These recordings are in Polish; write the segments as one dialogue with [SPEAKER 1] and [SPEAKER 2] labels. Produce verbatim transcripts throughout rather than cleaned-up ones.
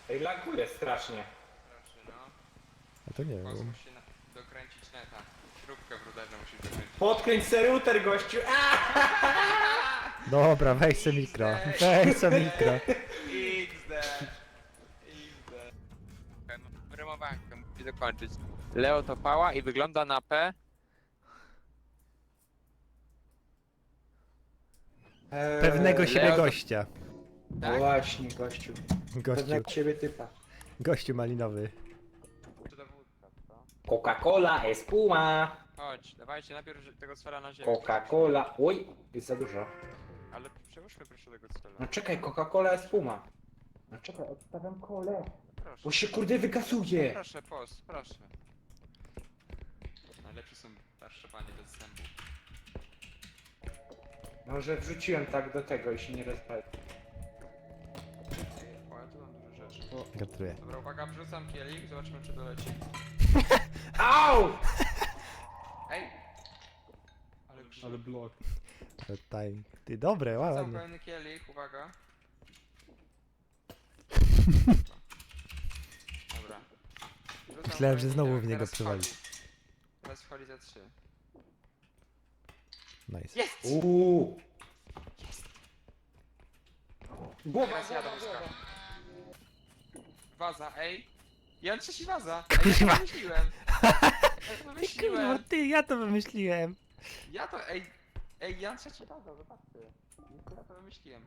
[SPEAKER 1] Ej, laguje strasznie.
[SPEAKER 2] Proszę, no.
[SPEAKER 3] A to nie
[SPEAKER 2] Kos
[SPEAKER 3] wiem.
[SPEAKER 2] musi na... dokręcić neta. Śrubkę w ruderze musisz dokręcić.
[SPEAKER 1] Podkręć se router, gościu!
[SPEAKER 3] Dobra, weź se mikro. Weź se mikro.
[SPEAKER 2] X D. X D. Wyrymowałem to, musi dokończyć. Leo to pała i wygląda na P.
[SPEAKER 1] Eee,
[SPEAKER 3] Pewnego siebie
[SPEAKER 2] Leo to-
[SPEAKER 3] gościa.
[SPEAKER 2] Tak?
[SPEAKER 1] Właśnie, gościu.
[SPEAKER 3] Gościu,
[SPEAKER 1] Pewnego siebie typa.
[SPEAKER 3] gościu malinowy.
[SPEAKER 2] Czy to wódka, co?
[SPEAKER 1] Coca-Cola, espuma.
[SPEAKER 2] Chodź, dawajcie najpierw tego sfera na ziemię.
[SPEAKER 1] Coca-Cola. Oj, jest za dużo.
[SPEAKER 2] Ale przełóżmy proszę tego sfera.
[SPEAKER 1] No czekaj, Coca-Cola, espuma. No czekaj, odstawiam kolę.
[SPEAKER 2] Proszę.
[SPEAKER 1] Bo się kurde wygasuje.
[SPEAKER 2] Proszę, post, proszę. Najlepsze są starsze panie bez zębów.
[SPEAKER 1] Może wrzuciłem tak do tego i się nie rozpali.
[SPEAKER 2] O, ja tu mam dużo rzeczy.
[SPEAKER 3] Gratuluję.
[SPEAKER 2] Dobra, uwaga, wrzucam kielich, zobaczymy czy doleci.
[SPEAKER 1] Au!
[SPEAKER 2] Ej! Ale,
[SPEAKER 4] Ale blok.
[SPEAKER 3] Ale timing. Ty, dobre,
[SPEAKER 2] Wrzucam
[SPEAKER 3] ładnie.
[SPEAKER 2] pełny kielich, uwaga. Dobra. Wrzucam
[SPEAKER 3] Myślałem, że
[SPEAKER 2] pełny
[SPEAKER 3] znowu
[SPEAKER 2] kielich,
[SPEAKER 3] w niego
[SPEAKER 2] teraz
[SPEAKER 3] przywali.
[SPEAKER 2] wchodzi. Teraz wchodzi za trzy.
[SPEAKER 3] Nice.
[SPEAKER 2] Jest!
[SPEAKER 1] Uuu. Głowa,
[SPEAKER 2] Teraz ja do
[SPEAKER 1] głowa,
[SPEAKER 2] wózka.
[SPEAKER 1] głowa.
[SPEAKER 2] Waza, ej! Jan trzeci waza! Ej, ja to wymyśliłem! Ja to
[SPEAKER 3] Kurwa,
[SPEAKER 2] wymyśliłem!
[SPEAKER 3] ty, ja to wymyśliłem.
[SPEAKER 2] Ja to, ej! Ej, Jan trzeci waza, zobaczcie! Ja to wymyśliłem.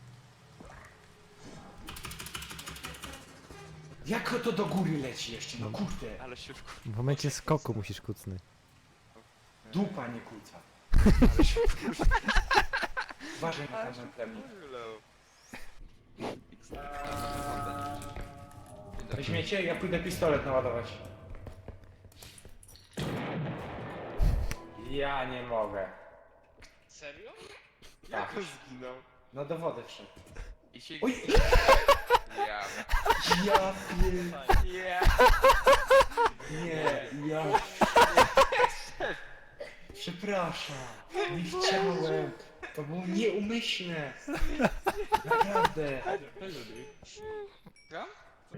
[SPEAKER 1] Jak to do góry leci jeszcze, no kurde.
[SPEAKER 2] Ale się wkur...
[SPEAKER 3] W momencie skoku musisz kucnąć.
[SPEAKER 1] Dupa nie kłóca. Uważaj na ten plemnik. Weźmiecie? Ja pójdę pistolet naładować. Ja nie mogę.
[SPEAKER 5] Serio?
[SPEAKER 1] Tak.
[SPEAKER 2] zginął?
[SPEAKER 1] No do wody wszedł.
[SPEAKER 2] I się...
[SPEAKER 1] Oj!
[SPEAKER 2] Ja...
[SPEAKER 1] Ja pier...
[SPEAKER 2] Ja...
[SPEAKER 1] Nie, ja... Przepraszam. Nie chciałem. To było nieumyślne. Naprawdę.
[SPEAKER 2] Gram?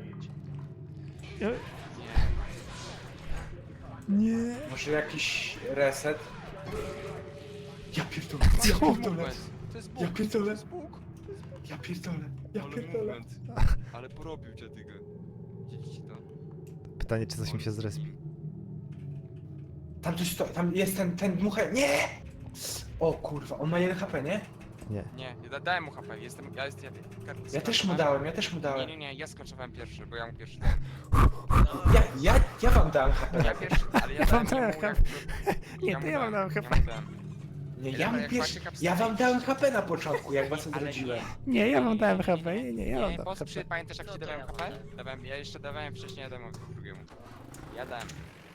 [SPEAKER 3] Nie.
[SPEAKER 1] Może jakiś reset? Ja pierdolę. Ja
[SPEAKER 2] To
[SPEAKER 1] pierdolę.
[SPEAKER 2] jest
[SPEAKER 1] Ja
[SPEAKER 2] Bóg,
[SPEAKER 1] pierdolę.
[SPEAKER 2] to jest Bóg!
[SPEAKER 1] Ja pierdolę. Ja
[SPEAKER 2] Ale
[SPEAKER 1] pierdolę.
[SPEAKER 2] movement. Ale porobił cię tego. Widzicie to?
[SPEAKER 3] Pytanie, czy coś mi się zrespi.
[SPEAKER 1] Tam coś stoi, tam jest ten, ten dmuchaj. Nie! O kurwa, on ma jeden H P, nie?
[SPEAKER 3] Nie.
[SPEAKER 2] Nie, ja dałem mu H P, jestem, ja jestem, ja,
[SPEAKER 1] Ja też mu dałem, ja też mu
[SPEAKER 2] Nie,
[SPEAKER 1] dałem.
[SPEAKER 2] nie, nie, ja skoczowałem pierwszy, bo ja mu pierwszy dałem.
[SPEAKER 1] Ja, ja, ja wam dałem H P.
[SPEAKER 2] Ja pierwszy, ale ja,
[SPEAKER 3] Ja wam
[SPEAKER 2] dałem
[SPEAKER 3] dałem
[SPEAKER 2] mu
[SPEAKER 3] H P.
[SPEAKER 2] jak-
[SPEAKER 3] Nie,
[SPEAKER 2] mu
[SPEAKER 3] to ja wam dałem H
[SPEAKER 2] ja
[SPEAKER 3] P.
[SPEAKER 2] mu dałem.
[SPEAKER 1] Nie,
[SPEAKER 2] Ja
[SPEAKER 1] ja mu
[SPEAKER 2] jak
[SPEAKER 1] pierwszy,
[SPEAKER 2] macie kapsle
[SPEAKER 1] ja wam
[SPEAKER 2] iść.
[SPEAKER 1] dałem H P na początku, jak was
[SPEAKER 2] Ale
[SPEAKER 1] odrodziłem.
[SPEAKER 3] Nie, ja wam dałem H P. Nie, nie, ja wam
[SPEAKER 2] Nie,
[SPEAKER 3] dałem
[SPEAKER 2] bo
[SPEAKER 3] H
[SPEAKER 2] przy,
[SPEAKER 3] P.
[SPEAKER 2] pamiętasz jak
[SPEAKER 5] No
[SPEAKER 2] ci
[SPEAKER 5] to
[SPEAKER 2] dałem
[SPEAKER 5] ja
[SPEAKER 2] H
[SPEAKER 5] wam
[SPEAKER 2] P?
[SPEAKER 5] dałem.
[SPEAKER 2] Dawałem, ja jeszcze dawałem wcześniej, ja dałem drugiemu. Ja dałem.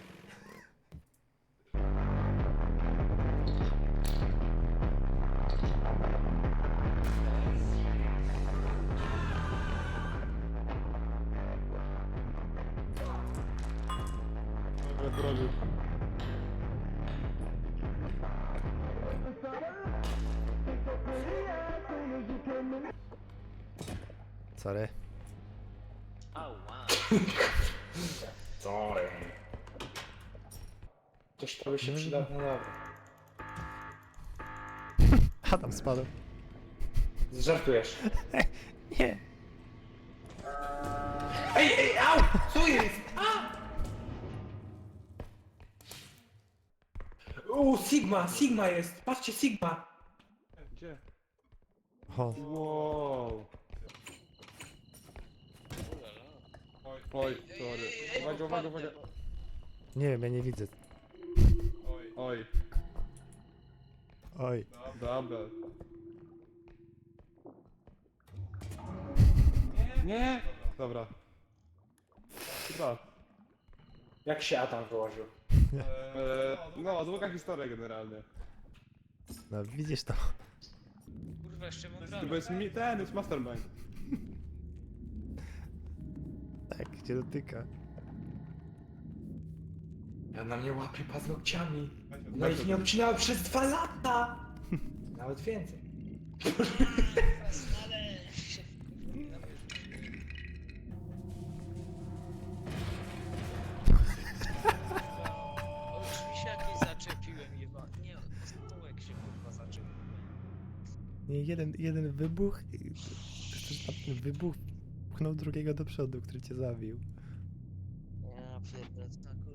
[SPEAKER 4] Ale porobił.
[SPEAKER 3] Sorry.
[SPEAKER 5] Au, wow.
[SPEAKER 1] Sorry. Coś to by się przydało, no dobra.
[SPEAKER 3] Adam spadł.
[SPEAKER 1] Żartujesz.
[SPEAKER 3] Nie.
[SPEAKER 1] Ej, ej, au! Co jest? A! U, Sigma, Sigma jest, patrzcie, Sigma.
[SPEAKER 4] Gdzie?
[SPEAKER 3] O,
[SPEAKER 4] Wow. Oj, sorry. Uwaga, uwaga, uwaga.
[SPEAKER 3] nie wiem, ja nie widzę.
[SPEAKER 4] Oj,
[SPEAKER 3] Oj.
[SPEAKER 4] dobra. Nie! Dobra. Chyba.
[SPEAKER 1] Jak się Adam wyłożył?
[SPEAKER 4] Eee, no, długa historia generalnie.
[SPEAKER 3] No widzisz to.
[SPEAKER 5] Kurwa, jeszcze mam
[SPEAKER 4] To
[SPEAKER 5] prawo.
[SPEAKER 4] jest mi, ten, jest mastermind.
[SPEAKER 3] Tak, cię dotyka.
[SPEAKER 1] Ja na mnie łapie paznokciami. No ich nie obcinałem przez dwa lata. Nawet więcej.
[SPEAKER 5] Ale...
[SPEAKER 3] Nie, jeden, jeden wybuch i też ten wybuch pchnął drugiego do przodu, który cię zabił.
[SPEAKER 5] Ja pierdolę,